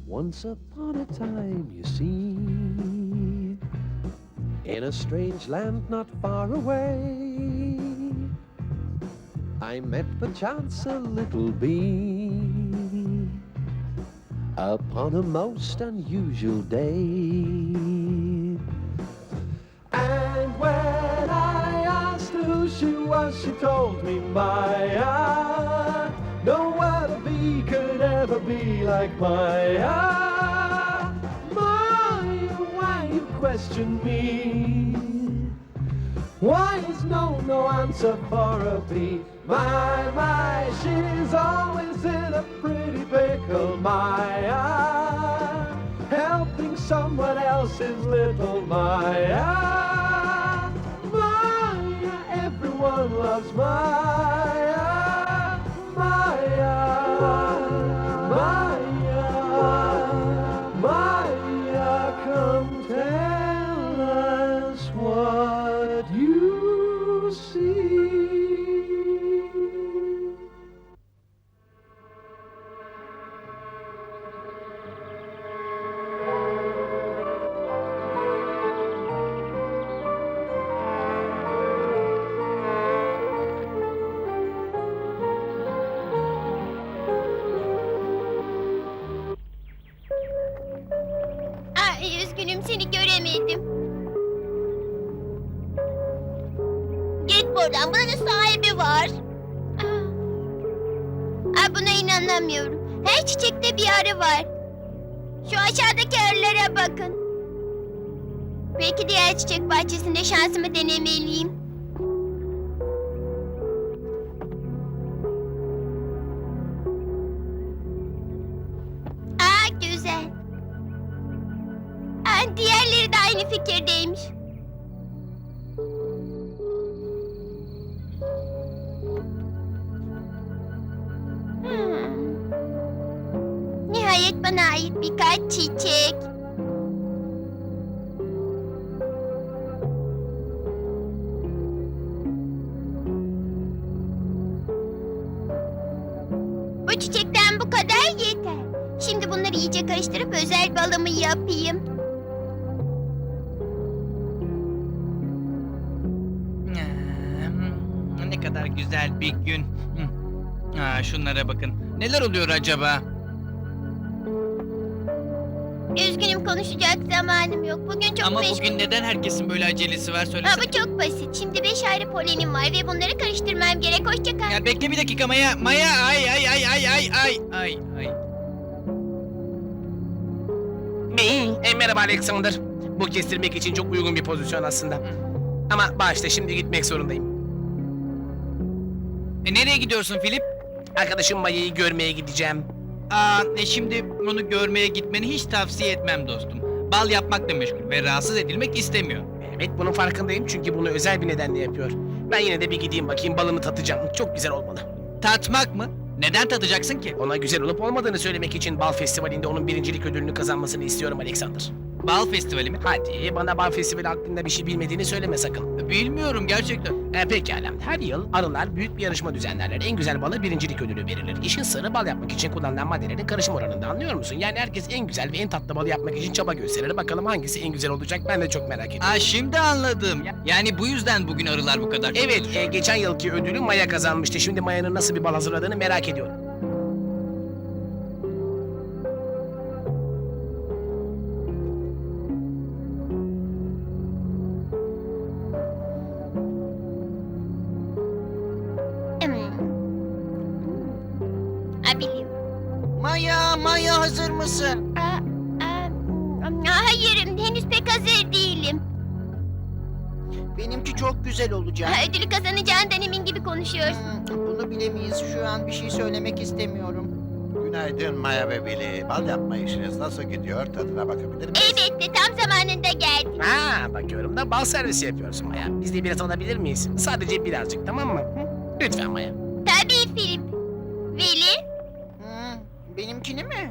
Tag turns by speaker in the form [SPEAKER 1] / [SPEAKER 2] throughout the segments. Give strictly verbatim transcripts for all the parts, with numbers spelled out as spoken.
[SPEAKER 1] Once upon a time, you see, in a strange land not far away, I met perchance a little bee upon a most unusual day. And when I asked who she was, she told me, Maya, no other bee could ever be like Maya. Maya, why you question me? Why is no, no answer for a bee? My, my, she's always in a pretty pickle, Maya, helping someone else's little Maya. Maya, everyone loves Maya. Maya, Maya, Maya, come tell us what you see.
[SPEAKER 2] Ay, üzgünüm, seni göremedim. Git buradan, buranın sahibi var. Aa. Ay, buna inanamıyorum. Her çiçekte bir arı var. Şu aşağıdaki arılara bakın. Belki diğer çiçek bahçesinde şansımı denemeliyim. Aa, güzel. Aa, diğerleri de aynı fikirdeymiş. Hmm. Nihayet bana ait birkaç çiçek. Bu çiçekten bu kadar yeter. Şimdi bunları iyice karıştırıp özel balımı yapayım.
[SPEAKER 3] Hmm, Ne kadar güzel bir gün. Hmm. Aa, şunlara bakın. Neler oluyor acaba?
[SPEAKER 2] Üzgünüm, konuşacak zamanım yok. Bugün çok
[SPEAKER 3] Ama
[SPEAKER 2] meşgul.
[SPEAKER 3] bugün neden herkesin böyle acelesi var
[SPEAKER 2] Ha,
[SPEAKER 3] söylesene.
[SPEAKER 2] bu çok basit. Şimdi beş ayrı polenim var ve bunları karıştırmam gerek. Hoşça kal.
[SPEAKER 3] Ya bekle bir dakika Maya. Maya ay ay ay ay ay ay ay ay.
[SPEAKER 4] E, merhaba Alexander. Bu kestirmek için çok uygun bir pozisyon aslında. Ama başta şimdi gitmek zorundayım.
[SPEAKER 3] E, nereye gidiyorsun Filip?
[SPEAKER 4] Arkadaşım Maya'yı görmeye gideceğim.
[SPEAKER 3] Aa, e, şimdi onu görmeye gitmeni hiç tavsiye etmem dostum. Bal yapmakla meşgul ve rahatsız edilmek istemiyor.
[SPEAKER 4] Evet, bunun farkındayım çünkü bunu özel bir nedenle yapıyor. Ben yine de bir gideyim bakayım, balını tatacağım. Çok güzel olmalı.
[SPEAKER 3] Tatmak mı? Neden tatacaksın ki?
[SPEAKER 4] Ona güzel olup olmadığını söylemek için bal festivalinde onun birincilik ödülünü kazanmasını istiyorum Alexander.
[SPEAKER 3] Bal festivali mi?
[SPEAKER 4] Hadi bana bal festivali hakkında bir şey bilmediğini söyleme sakın.
[SPEAKER 3] Bilmiyorum gerçekten.
[SPEAKER 4] E, pekala. Her yıl arılar büyük bir yarışma düzenlerler. En güzel bala birincilik ödülü verilir. İşin sırrı bal yapmak için kullanılan maddelerin karışım oranında, anlıyor musun? Yani herkes en güzel ve en tatlı balı yapmak için çaba gösterir. Bakalım hangisi en güzel olacak, ben de çok merak ediyorum.
[SPEAKER 3] Aa, şimdi anladım. Yani bu yüzden bugün arılar bu kadar çok
[SPEAKER 4] Evet,
[SPEAKER 3] çalışıyor.
[SPEAKER 4] e, geçen yılki ödülü Maya kazanmıştı. Şimdi Maya'nın nasıl bir bal hazırladığını merak ediyorum.
[SPEAKER 2] Hmm. Ha, biliyorum.
[SPEAKER 5] Maya, Maya hazır mısın?
[SPEAKER 2] Aa, aa, aa, hayır, henüz pek hazır değilim.
[SPEAKER 5] Benimki çok güzel olacak.
[SPEAKER 2] Ha, ödülü kazanacağından emin gibi konuşuyorsun.
[SPEAKER 5] Hmm, bunu bilemeyiz. Şu an bir şey söylemek istemiyorum.
[SPEAKER 6] Günaydın Maya ve Billy. Bal yapma işiniz nasıl gidiyor? Tadına bakabilir miyiz?
[SPEAKER 2] Elbette, tam zamanında geldin.
[SPEAKER 4] Ha, bakıyorum da bal servisi yapıyorsun Maya. Biz de biraz alabilir miyiz? Sadece birazcık, tamam mı? Hı? Lütfen Maya.
[SPEAKER 2] Tabii Filip. Veli,
[SPEAKER 5] Hmm, benimkini mi?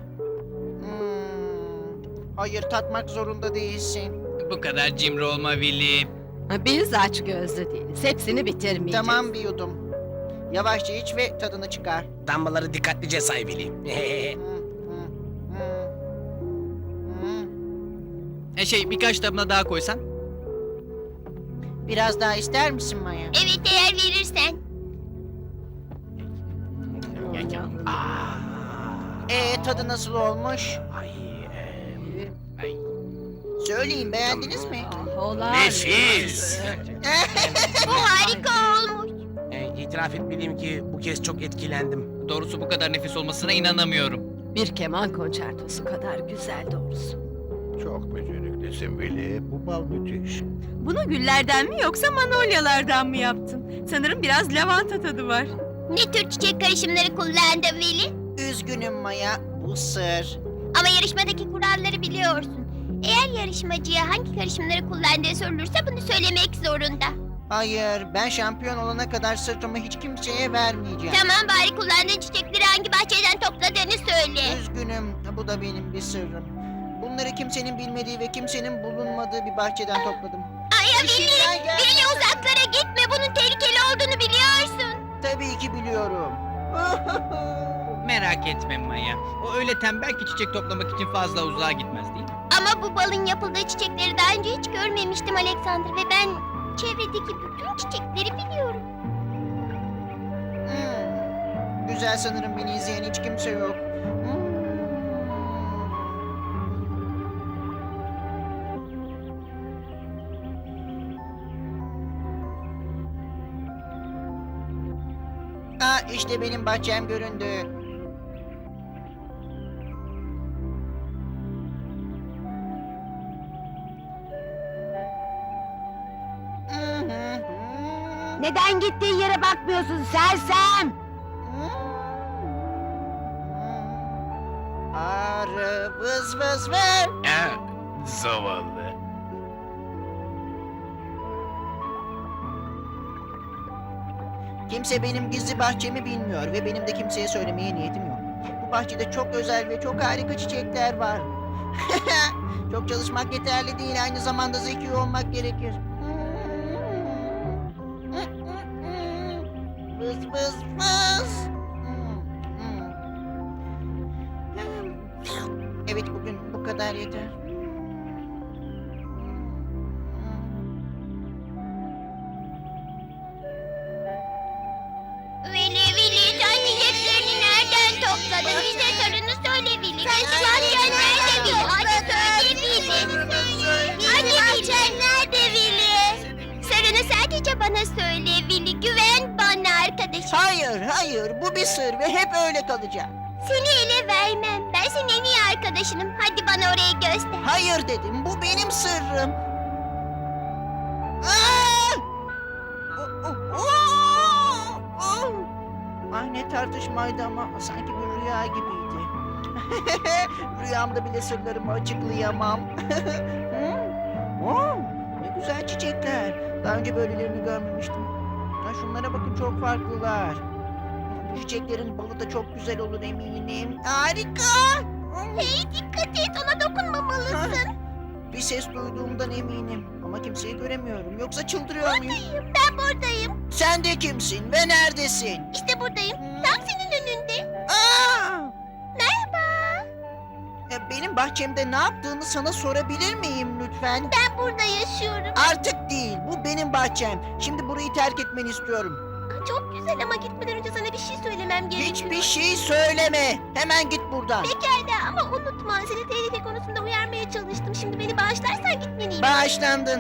[SPEAKER 5] Hmm, hayır, tatmak zorunda değilsin.
[SPEAKER 3] Bu kadar cimri olma Willy.
[SPEAKER 7] Biz aç gözlü değiliz. Hepsini bitirmeyeceğiz.
[SPEAKER 5] Tamam, bir yudum. Yavaşça iç ve tadını çıkar.
[SPEAKER 4] Damlaları dikkatlice say Billy.
[SPEAKER 5] Hmm, hmm, hmm.
[SPEAKER 3] E şey birkaç damla daha koysan.
[SPEAKER 5] Biraz daha ister misin Maya?
[SPEAKER 2] Evet, eğer verirsen.
[SPEAKER 4] Aa,
[SPEAKER 5] Ee tadı nasıl olmuş?
[SPEAKER 4] ay, e, ay.
[SPEAKER 5] Söyleyin, beğendiniz mi?
[SPEAKER 7] Ah, olağan.
[SPEAKER 4] Nefis.
[SPEAKER 2] Bu harika olmuş.
[SPEAKER 4] E, itiraf etmeliyim ki bu kez çok etkilendim.
[SPEAKER 3] Doğrusu bu kadar nefis olmasına inanamıyorum.
[SPEAKER 7] Bir keman konçertosu kadar güzel doğrusu.
[SPEAKER 6] Çok beceriklisin Willy. Bu bal müthiş.
[SPEAKER 8] Bunu güllerden mi yoksa manolyalardan mı yaptın? Sanırım biraz lavanta tadı var.
[SPEAKER 2] Ne tür çiçek karışımları kullandın Veli?
[SPEAKER 5] Üzgünüm Maya, bu sır.
[SPEAKER 2] Ama yarışmadaki kuralları biliyorsun. Eğer yarışmacıya hangi karışımları kullandığı sorulursa bunu söylemek zorunda.
[SPEAKER 5] Hayır, ben şampiyon olana kadar sırrımı hiç kimseye vermeyeceğim.
[SPEAKER 2] Tamam, bari kullandığın çiçekleri hangi bahçeden topladığını söyle.
[SPEAKER 5] Üzgünüm, bu da benim bir sırrım. Bunları kimsenin bilmediği ve kimsenin bulunmadığı bir bahçeden topladım.
[SPEAKER 2] Ay ya
[SPEAKER 5] İşinden
[SPEAKER 2] Veli,
[SPEAKER 5] geldi.
[SPEAKER 2] Veli uzaklara gitme. Bunun tehlikeli olduğunu biliyorsun.
[SPEAKER 5] Tabii ki biliyorum.
[SPEAKER 3] Merak etme Maya. O öyle tembel ki çiçek toplamak için fazla uzağa gitmez değil mi?
[SPEAKER 2] Ama bu balın yapıldığı çiçekleri daha önce hiç görmemiştim Alexander ve ben çevredeki bütün çiçekleri biliyorum.
[SPEAKER 5] Hmm. Güzel, sanırım beni izleyen hiç kimse yok. Hmm. Aa, işte benim bahçem göründü. Hı hı hı.
[SPEAKER 2] Neden gittiğin yere bakmıyorsun sersem?
[SPEAKER 5] Arı vız vız vız.
[SPEAKER 4] Ha, zavallı.
[SPEAKER 5] Kimse benim gizli bahçemi bilmiyor ve benim de kimseye söylemeye niyetim yok. Bu bahçede çok özel ve çok harika çiçekler var. Çok çalışmak yeterli değil, aynı zamanda zeki olmak gerekir. Vız vız vız. Evet, bugün bu kadar yeter.
[SPEAKER 2] Veli, Veli, sen çiçeklerini nereden topladın? Bize sorunu söyle Veli. Sen bahçen nerede Veli? Hadi söyle Veli. Hadi bahçen nerede Veli? Sırrını sadece bana söyle Veli. Güven bana arkadaşım.
[SPEAKER 5] Hayır, hayır, bu bir sır ve hep öyle kalacak.
[SPEAKER 2] Seni ele vermem. Ben senin en iyi arkadaşınım. Hadi bana orayı göster.
[SPEAKER 5] Hayır dedim, bu benim sırrım. Aa! O- o- o- o! Ay, ne tartışmaydı ama sanki bir rüya gibiydi. Rüyamda bile sırlarımı açıklayamam. Hı? Oo, ne güzel çiçekler. Daha önce böylelerini görmemiştim. Ha, şunlara bakın, çok farklılar. Bu çiçeklerin balı da çok güzel olur eminim. Harika.
[SPEAKER 2] Hey, dikkat et, ona dokunmamalısın.
[SPEAKER 5] Bir ses duyduğumdan eminim ama kimseyi göremiyorum. Yoksa çıldırıyor muyum?
[SPEAKER 2] Buradayım, ben buradayım.
[SPEAKER 5] Sen de kimsin ve neredesin?
[SPEAKER 2] İşte buradayım. Tam senin önünde.
[SPEAKER 5] Aa!
[SPEAKER 2] Merhaba.
[SPEAKER 5] Ya, benim bahçemde ne yaptığını sana sorabilir miyim lütfen?
[SPEAKER 2] Ben burada yaşıyorum.
[SPEAKER 5] Artık değil, bu benim bahçem. Şimdi burayı terk etmeni istiyorum.
[SPEAKER 2] Çok güzel ama gitmeden önce sana bir şey söylemem gerekiyor.
[SPEAKER 5] Hiçbir şey söyleme. Hemen git buradan.
[SPEAKER 2] Pekala ama unutma, seni tehlike konusunda uyarmaya çalıştım. Şimdi beni bağışlarsan gitmeliyim.
[SPEAKER 5] Bağışlandın.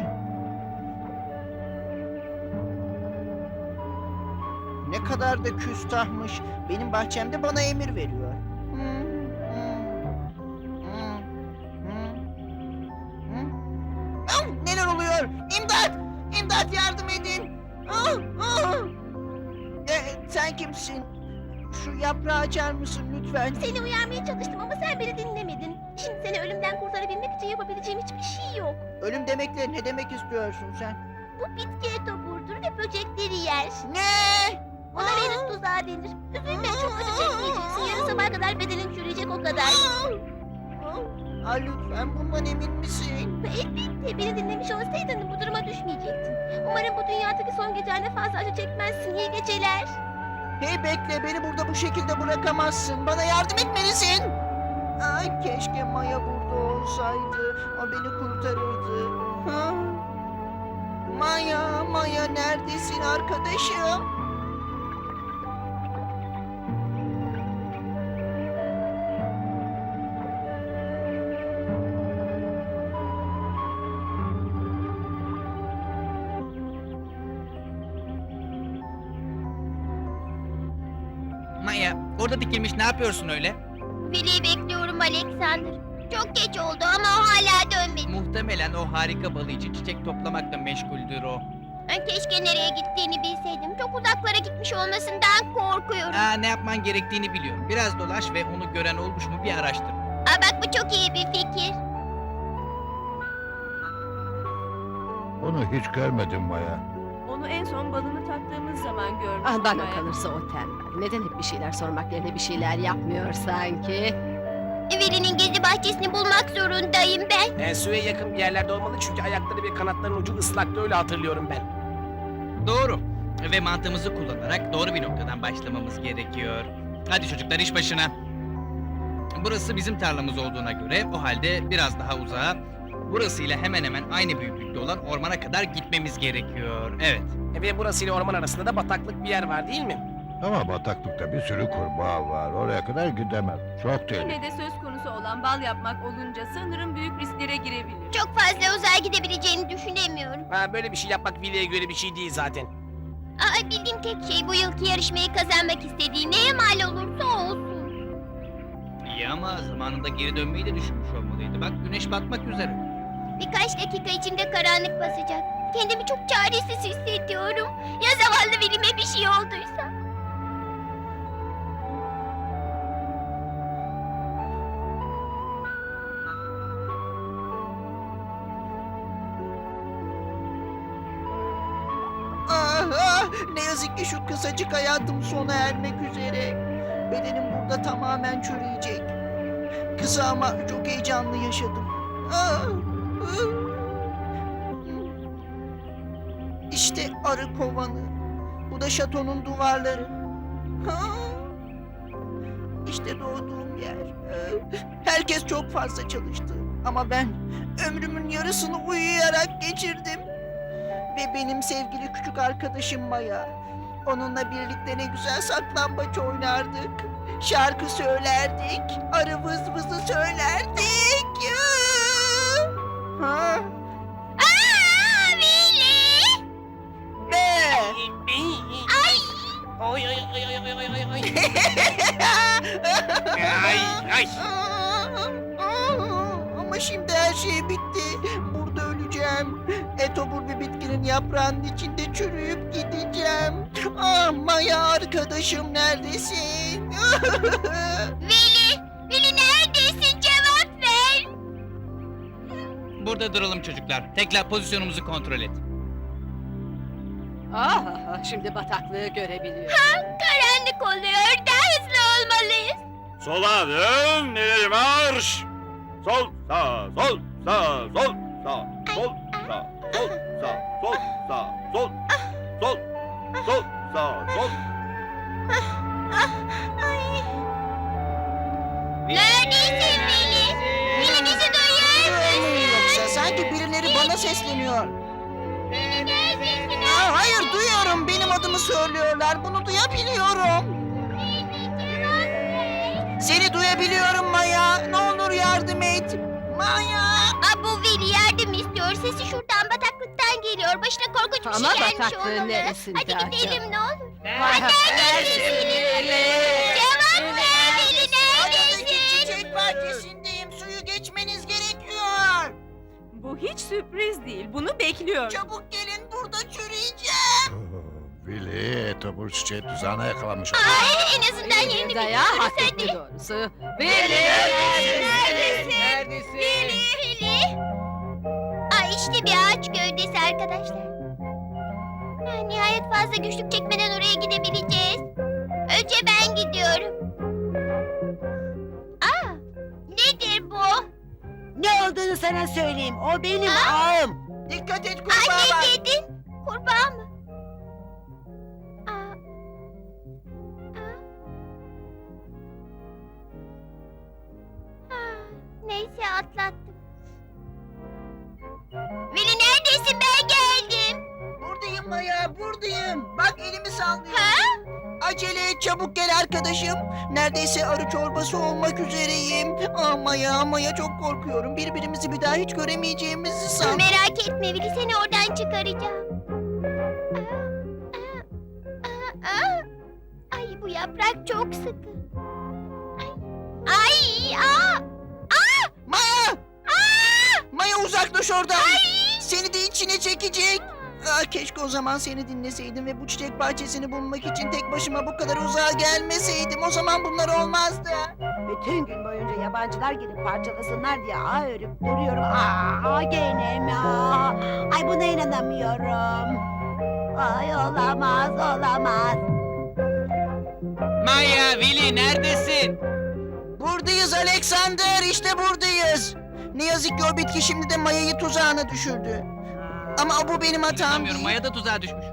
[SPEAKER 5] Ne kadar da küstahmış. Benim bahçemde bana emir veriyor. Hı, hı, hı, hı, hı. Ah, neler oluyor? İmdat! İmdat, yardım edin! Ah, ah! E, sen kimsin? Şu yaprağı açar mısın lütfen?
[SPEAKER 2] Seni uyarmaya çalıştım ama sen beni dinlemedin. Şimdi seni ölümden kurtarabilmek için yapabileceğim hiçbir şey yok.
[SPEAKER 5] Ölüm demekle ne demek istiyorsun sen?
[SPEAKER 2] Bu bitki etoburdur ve böcekleri yer.
[SPEAKER 5] Ne?
[SPEAKER 2] Ona Venüs tuzağı denir. Üzülme, çok acı çekmeyeceksin. Yarın sabaha kadar bedenin çürüyecek, o kadar.
[SPEAKER 5] Aa, lütfen, bundan emin misin?
[SPEAKER 2] Elbette, beni dinlemiş olsaydın bu duruma düşmeyecektin. Umarım bu dünyadaki son gecende fazla acı çekmezsin. İyi geceler.
[SPEAKER 5] Hey bekle, beni burada bu şekilde bırakamazsın. Bana yardım etmelisin. Ay, keşke Maya Maya burada olsaydı o beni kurtarırdı. Ha? Maya, Maya neredesin arkadaşım?
[SPEAKER 3] Maya, orada dikilmiş ne yapıyorsun öyle?
[SPEAKER 2] Veli'yi bekliyorum Alexander. Çok geç oldu ama o hala dönmedi.
[SPEAKER 3] Muhtemelen o harika balı için çiçek toplamakla meşguldür o.
[SPEAKER 2] Ben keşke nereye gittiğini bilseydim. Çok uzaklara gitmiş olmasından korkuyorum.
[SPEAKER 3] Aa, ne yapman gerektiğini biliyorum. Biraz dolaş ve onu gören olmuş mu bir araştır.
[SPEAKER 2] Aa, bak bu çok iyi bir fikir.
[SPEAKER 6] Onu hiç görmedim Maya.
[SPEAKER 8] Onu en son balını tattığımız zaman görmüştüm.
[SPEAKER 7] Ah, bana
[SPEAKER 8] Maya.
[SPEAKER 7] kalırsa o tembel. Neden hep bir şeyler sormak yerine bir şeyler yapmıyor sanki?
[SPEAKER 2] Veli'nin gizli bahçesini bulmak zorundayım ben.
[SPEAKER 4] E, suya yakın bir yerlerde olmalı çünkü ayakları ve kanatlarının ucu ıslaktı, öyle hatırlıyorum ben.
[SPEAKER 3] Doğru. Ve mantığımızı kullanarak doğru bir noktadan başlamamız gerekiyor. Hadi çocuklar iş başına. Burası bizim tarlamız olduğuna göre o halde biraz daha uzağa, burasıyla hemen hemen aynı büyüklükte olan ormana kadar gitmemiz gerekiyor. Evet.
[SPEAKER 4] E, ve burasıyla orman arasında da bataklık bir yer var değil mi?
[SPEAKER 6] Ama bataklıkta bir sürü kurbağa var. Oraya kadar gidemem. Çok tehlikeli.
[SPEAKER 8] Yine de söz konusu olan bal yapmak olunca sanırım büyük risklere girebilir.
[SPEAKER 2] Çok fazla uzağa gidebileceğini düşünemiyorum.
[SPEAKER 4] Ha, böyle bir şey yapmak Vili'ye göre bir şey değil zaten.
[SPEAKER 2] Aa, bildiğim tek şey bu yılki yarışmayı kazanmak istediği neye mal olursa olsun.
[SPEAKER 3] İyi ama zamanında geri dönmeyi de düşünmüş olmalıydı. Bak güneş batmak üzere.
[SPEAKER 2] Birkaç dakika içinde karanlık basacak. Kendimi çok çaresiz hissediyorum. Ya zavallı Veli'me bir şey olduysa?
[SPEAKER 5] Ah, ah, ne yazık ki şu kısacık hayatım sona ermek üzere. Bedenim burada tamamen çürüyecek. Kısa ama çok heyecanlı yaşadım. Ah, ah. İşte arı kovanı. Bu da şatonun duvarları. Ah. İşte doğduğum yer. Ah. Herkes çok fazla çalıştı. Ama ben ömrümün yarısını uyuyarak geçirdim. Ve benim sevgili küçük arkadaşım Maya. Onunla birlikte ne güzel saklambaç oynardık. Şarkı söylerdik. Arı vız vızı söylerdik. Ha?
[SPEAKER 2] Aa, Veli!
[SPEAKER 5] Ne?
[SPEAKER 2] Ay!
[SPEAKER 4] Oy oy oy oy oy oy oy oy. Ay ay.
[SPEAKER 5] Ama şimdi her şey bitti. Burada öleceğim. Etobur bir bitkinin yaprağının içinde çürüyüp gideceğim. Ah Maya arkadaşım neredesin?
[SPEAKER 2] Veli! Veli neredesin? Cevap ver!
[SPEAKER 3] Burada duralım çocuklar. Tekrar pozisyonumuzu kontrol et.
[SPEAKER 7] Ah, ah, şimdi bataklığı görebiliyorum.
[SPEAKER 2] Karanlık oluyor. Daha hızlı olmalıyız.
[SPEAKER 9] Sola dön, ileri marş. Sol, sağ, sol, sağ, sol, sağ, sol, sağ, sol, sağ, sol, sağ, sol, sol, sol, sağ, sol.
[SPEAKER 2] Neredesin Veli? Veli bizi duyuyor musun?
[SPEAKER 5] Yoksa sanki birileri bana sesleniyor.
[SPEAKER 2] Veli neredesin?
[SPEAKER 5] Aa, hayır duyuyorum. Benim adımı söylüyorlar. Bunu duyabiliyorum. Seni duyabiliyorum Maya. Ne olur yardım et. Maya.
[SPEAKER 2] Aa, bu Veli yardım istiyor. Sesi şuradan bataklıktan geliyor. Başına korkunç bir
[SPEAKER 7] Ama
[SPEAKER 2] şey gelmiş
[SPEAKER 7] bataklığın
[SPEAKER 2] olmalı.
[SPEAKER 7] neresinde
[SPEAKER 2] Hadi gidelim
[SPEAKER 7] acaba?
[SPEAKER 2] ne olur.
[SPEAKER 7] Vay,
[SPEAKER 2] Neredesin Veli? Cevap ver Veli
[SPEAKER 5] Aradaki
[SPEAKER 2] neredesin?
[SPEAKER 5] çiçek bahçesindeyim. Suyu geçmeniz gerekiyor.
[SPEAKER 8] Bu hiç sürpriz değil. Bunu bekliyorum.
[SPEAKER 5] Çabuk gelin burada çürüyeceğim.
[SPEAKER 6] Vili, Etobur çiçeği tuzağına yakalamış.
[SPEAKER 2] Ay, en azından yerini
[SPEAKER 7] Daya hak
[SPEAKER 2] biliyoruz
[SPEAKER 7] etti
[SPEAKER 2] hadi.
[SPEAKER 7] doğrusu. Veli!
[SPEAKER 2] Neredesin? Veli, Veli. Ay işte bir ağaç gövdesi arkadaşlar. Ha, nihayet fazla güçlük çekmeden oraya gidebileceğiz. Önce ben gidiyorum. Aa, nedir bu?
[SPEAKER 10] Ne olduğunu sana söyleyeyim. O benim
[SPEAKER 2] Aa!
[SPEAKER 10] ağım.
[SPEAKER 5] Dikkat et kurbağa
[SPEAKER 2] Ay
[SPEAKER 5] var.
[SPEAKER 2] ne dedin? Kurbağa mı? Aa. Aa. Ha, neyse Neredeyse atlattım. Veli neredesin? Ben geldim.
[SPEAKER 5] Buradayım Maya, buradayım. Bak elimi sallıyorum.
[SPEAKER 2] Ha?
[SPEAKER 5] Acele et, çabuk gel arkadaşım. Neredeyse arı çorbası olmak üzereyim. Ah Maya, Maya çok korkuyorum. Birbirimizi bir daha hiç göremeyeceğimizi san.
[SPEAKER 2] Merak etme Veli, seni oradan çıkaracağım. Aa, aa, aa. Ay bu yaprak çok sıkı. Ay, ay, aa, aa,
[SPEAKER 5] Maya!
[SPEAKER 2] aa.
[SPEAKER 5] Maya uzaklaş oradan.
[SPEAKER 2] Ay.
[SPEAKER 5] Seni de içine çekecek. Ah, keşke o zaman seni dinleseydim ve bu çiçek bahçesini bulmak için tek başıma bu kadar uzağa gelmeseydim. O zaman bunlar olmazdı.
[SPEAKER 10] Bütün gün boyunca yabancılar gelip parçalasınlar diye ağ örüp duruyorum. Aa gene mi? Aa, ay buna inanamıyorum. Ay olamaz, olamaz.
[SPEAKER 3] Maya, Vili neredesin?
[SPEAKER 5] Buradayız Alexander, işte buradayız. Ne yazık ki o bitki şimdi de Maya'yı tuzağına düşürdü. Ama bu benim hatam
[SPEAKER 3] İnanamıyorum,
[SPEAKER 5] değil.
[SPEAKER 3] Maya da tuzağa düşmüş.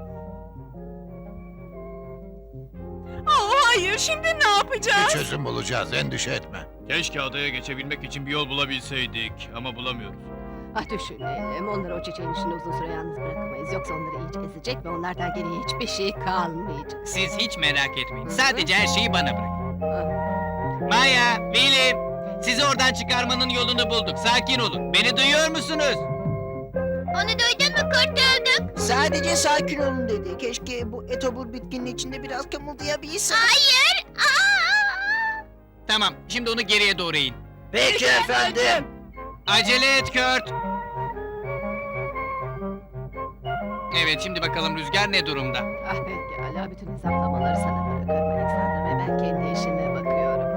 [SPEAKER 8] Oh hayır, şimdi ne
[SPEAKER 6] Bir
[SPEAKER 8] yapacağız?
[SPEAKER 6] çözüm bulacağız, endişe etme.
[SPEAKER 9] Keşke adaya geçebilmek için bir yol bulabilseydik ama bulamıyoruz.
[SPEAKER 7] Ah düşünelim. Onları o çiçeğin içinde uzun süre yalnız bırakamayız. Yoksa onları iyice ezecek ve onlardan geriye hiçbir şey kalmayacak.
[SPEAKER 3] Siz hiç merak etmeyin. Sadece her şeyi bana bırakın.
[SPEAKER 7] Ah,
[SPEAKER 3] Maya, Vili, sizi oradan çıkarmanın yolunu bulduk. Sakin olun. Beni duyuyor musunuz?
[SPEAKER 2] Onu duydun mu? Kurtulduk.
[SPEAKER 5] Sadece sakin olun dedi. Keşke bu etobur bitkinin içinde biraz kımıldayabilsem.
[SPEAKER 2] Hayır. Aa.
[SPEAKER 3] Tamam, şimdi onu geriye doğru in.
[SPEAKER 5] Peki efendim.
[SPEAKER 3] Acele et Kurt. Evet, şimdi bakalım rüzgar ne durumda?
[SPEAKER 7] ah pekala. Bütün hesaplamaları sana bırakıyorum Alexander ve ben kendi işime bakıyorum.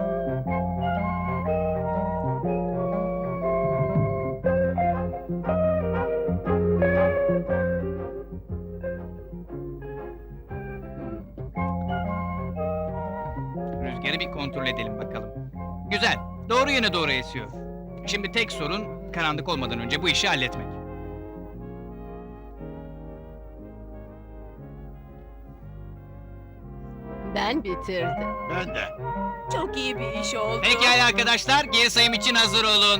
[SPEAKER 3] Rüzgarı bir kontrol edelim bakalım. Güzel, doğru yöne doğru esiyor. Şimdi tek sorun karanlık olmadan önce bu işi halletmek.
[SPEAKER 7] Ben bitirdim.
[SPEAKER 6] Ben de.
[SPEAKER 8] Çok iyi bir iş oldu.
[SPEAKER 3] Pekala arkadaşlar, geri sayım için hazır olun.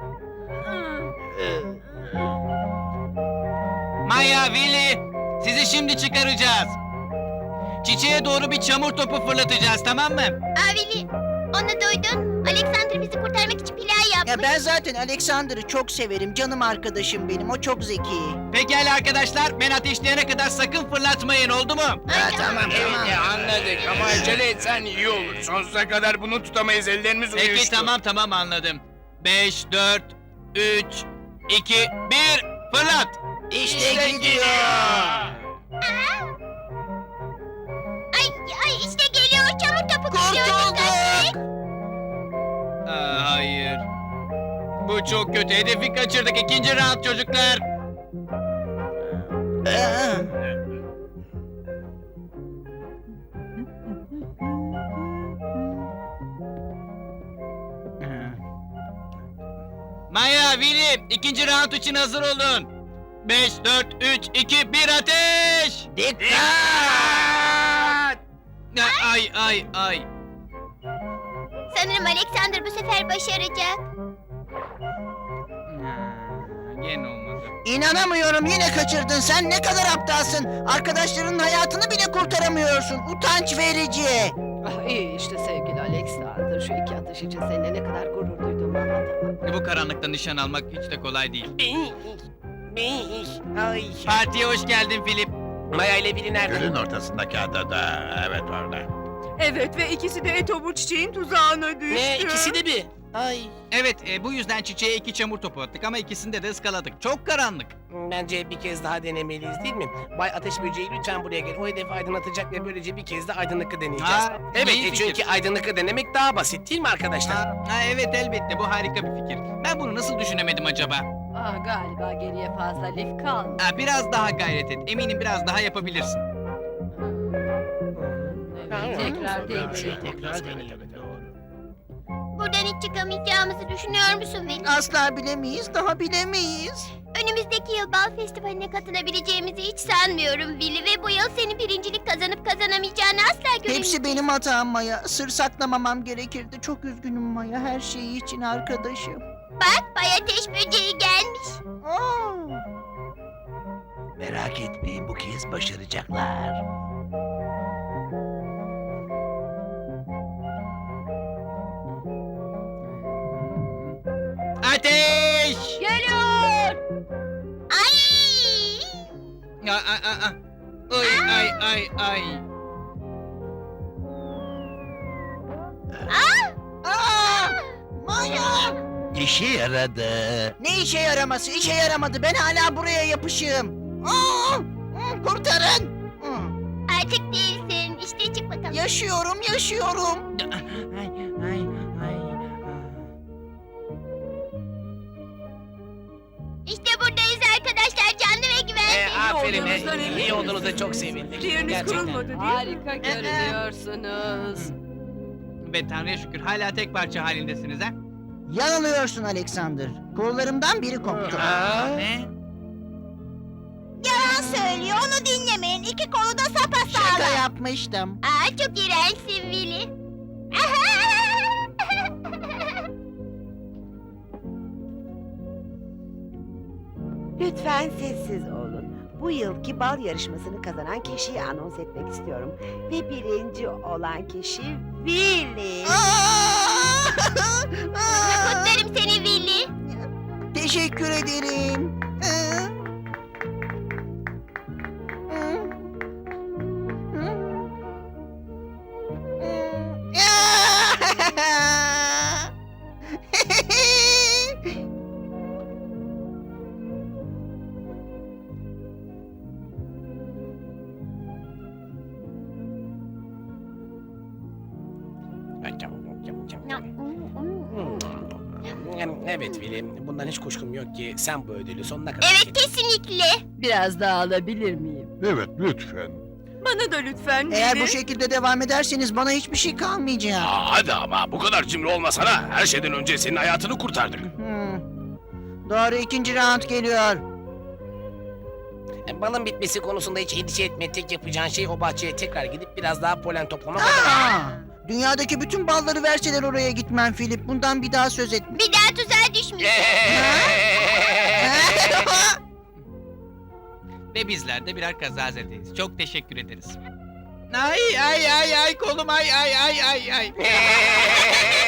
[SPEAKER 3] Maya, Willy, sizi şimdi çıkaracağız. Çiçeğe doğru bir çamur topu fırlatacağız, tamam mı?
[SPEAKER 2] Aa Veli, onu duydun. Alexander bizi kurtarmak için plan yapmış.
[SPEAKER 5] Ya ben zaten Alexander'ı çok severim. Canım arkadaşım benim. O çok zeki.
[SPEAKER 3] Pekala arkadaşlar, ben ateşleyene kadar sakın fırlatmayın, oldu mu?
[SPEAKER 2] Ay, tamam.
[SPEAKER 4] Evet ya anladık ama acele etsen iyi olur. Sonsuza kadar bunu tutamayız, ellerimiz uyuştu.
[SPEAKER 3] Peki tamam tamam anladım. Beş, dört, üç, iki, bir, fırlat!
[SPEAKER 5] İşte, gidiyor.
[SPEAKER 2] Ay, ay işte geliyor. Çamur topu geliyor.
[SPEAKER 5] Kurtulduk.
[SPEAKER 3] Aa, hayır. Bu çok kötü. Hedefi kaçırdık. İkinci round çocuklar.
[SPEAKER 5] Ee,
[SPEAKER 3] Maya, Willy, ikinci round için hazır olun. Beş, dört, üç, iki, bir, ateş!
[SPEAKER 5] Dikkat!
[SPEAKER 3] Ay, ay, ay.
[SPEAKER 2] Sanırım Alexander bu sefer başaracak.
[SPEAKER 3] Ha, Gene olmadı.
[SPEAKER 5] İnanamıyorum, yine kaçırdın. Sen ne kadar aptalsın. Arkadaşlarının hayatını bile kurtaramıyorsun. Utanç verici.
[SPEAKER 7] Ah iyi işte sevgili Alexander. Şu iki atış için seninle ne kadar gurur duyduğumu anlatamam.
[SPEAKER 3] Bu karanlıkta nişan almak hiç de kolay değil.
[SPEAKER 4] Ay.
[SPEAKER 3] Partiye hoş geldin Filip.
[SPEAKER 4] Maya ile biri nerede?
[SPEAKER 6] Gölün ortasındaki adada, evet orada.
[SPEAKER 8] Evet ve ikisi de etobur çiçeğin tuzağına düştü.
[SPEAKER 4] Ne ikisi de mi? Ay.
[SPEAKER 3] Evet, e, bu yüzden çiçeğe iki çamur topu attık ama ikisinde de ıskaladık. Çok karanlık.
[SPEAKER 4] Bence bir kez daha denemeliyiz değil mi? Bay Ateş Böceği lütfen buraya gel. O hedefi aydınlatacak ve böylece bir kez de aydınlıkı deneyeceğiz.
[SPEAKER 3] Ha,
[SPEAKER 4] evet
[SPEAKER 3] iyi
[SPEAKER 4] e,
[SPEAKER 3] fikir.
[SPEAKER 4] çünkü aydınlıkı denemek daha basit değil mi arkadaşlar?
[SPEAKER 3] Ha, ha, evet elbette bu harika bir fikir. Ben bunu nasıl düşünemedim acaba?
[SPEAKER 7] Ah galiba geriye fazla lif kalmadı.
[SPEAKER 3] Ha, biraz daha gayret et. Eminim biraz daha yapabilirsin.
[SPEAKER 7] Evet, tekrar
[SPEAKER 6] Bir şey
[SPEAKER 7] deneyelim.
[SPEAKER 6] tekrar deneyelim. Doğru.
[SPEAKER 2] Buradan hiç çıkamayacağımızı düşünüyor musun Veli?
[SPEAKER 5] Asla bilemeyiz, daha bilemeyiz.
[SPEAKER 2] Önümüzdeki yıl bal festivaline katılabileceğimizi hiç sanmıyorum Veli ve bu yıl senin birincilik kazanıp kazanamayacağını asla göremeyeceğim.
[SPEAKER 5] Hepsi benim hatam Maya. Sır saklamamam gerekirdi. Çok üzgünüm Maya, her şeyi için arkadaşım.
[SPEAKER 2] Bak Bay Ateş Böceği gelmiş.
[SPEAKER 5] Aa,
[SPEAKER 6] Merak etmeyin bu kez başaracaklar.
[SPEAKER 3] Ateş!
[SPEAKER 2] Geliyor. Ay!
[SPEAKER 3] Ya, a, a, a. Ay ay ay ay.
[SPEAKER 5] aa, Maya!
[SPEAKER 6] İşe yaradı.
[SPEAKER 5] Ne işe yaraması? İşe yaramadı. Ben hala buraya yapışığım. Aa, hı, kurtarın. Hı,
[SPEAKER 2] Artık değilsin. İşte çık bakalım.
[SPEAKER 5] yaşıyorum, yaşıyorum.
[SPEAKER 4] Ay ay ay.
[SPEAKER 2] İşte buradayız arkadaşlar. Canlı ve
[SPEAKER 4] Ee,
[SPEAKER 2] güvenli.
[SPEAKER 4] aferin.
[SPEAKER 7] olduğunuzdan
[SPEAKER 4] e,
[SPEAKER 7] eminim.
[SPEAKER 4] iyi olduğunuza çok sevindik.
[SPEAKER 8] Yeriniz
[SPEAKER 4] Gerçekten.
[SPEAKER 8] kurulmadı değil mi?
[SPEAKER 7] Harika görünüyorsunuz.
[SPEAKER 3] Ve Tanrı'ya şükür hala tek parça halindesiniz ha?
[SPEAKER 5] Yanılıyorsun Alexander. Kollarımdan biri koptu.
[SPEAKER 3] Ne?
[SPEAKER 2] Yalan söylüyor. Onu dinlemeyin. İki kolu da
[SPEAKER 5] Şaka
[SPEAKER 2] sapasağlam.
[SPEAKER 5] yapmıştım.
[SPEAKER 2] Aa, çok iğrençsin Willy.
[SPEAKER 10] Lütfen sessiz olun. Bu yılki bal yarışmasını kazanan kişiyi anons etmek istiyorum. Ve birinci olan kişi Willy.
[SPEAKER 2] Kutlarım seni Willy.
[SPEAKER 5] Teşekkür ederim. Hı? Hı? Hı? Hı?
[SPEAKER 4] Yani evet Willy, bundan hiç kuşkum yok ki sen bu ödülü sonuna kadar hak
[SPEAKER 2] Evet
[SPEAKER 4] ettin.
[SPEAKER 2] kesinlikle.
[SPEAKER 7] Biraz daha alabilir miyim?
[SPEAKER 1] Evet, lütfen.
[SPEAKER 8] Bana da lütfen
[SPEAKER 5] Eğer
[SPEAKER 8] Willy.
[SPEAKER 5] bu şekilde devam ederseniz bana hiçbir şey kalmayacak.
[SPEAKER 4] Aa, hadi ama bu kadar cimri olmasana. Her şeyden önce senin hayatını kurtardık.
[SPEAKER 5] Hmm. Doğru, ikinci round geliyor.
[SPEAKER 4] E, Balın bitmesi konusunda hiç endişe etme. Tek yapacağın şey o bahçeye tekrar gidip biraz daha polen toplamak.
[SPEAKER 5] Aa! Dünyadaki bütün balları verseler oraya gitmem Philip. Bundan bir daha söz etme.
[SPEAKER 2] Bir daha tuzağa düşmüş.
[SPEAKER 3] Ve bizler de birer kazazedeyiz. Çok teşekkür ederiz. Ay ay ay ay kolum ay ay ay ay ay.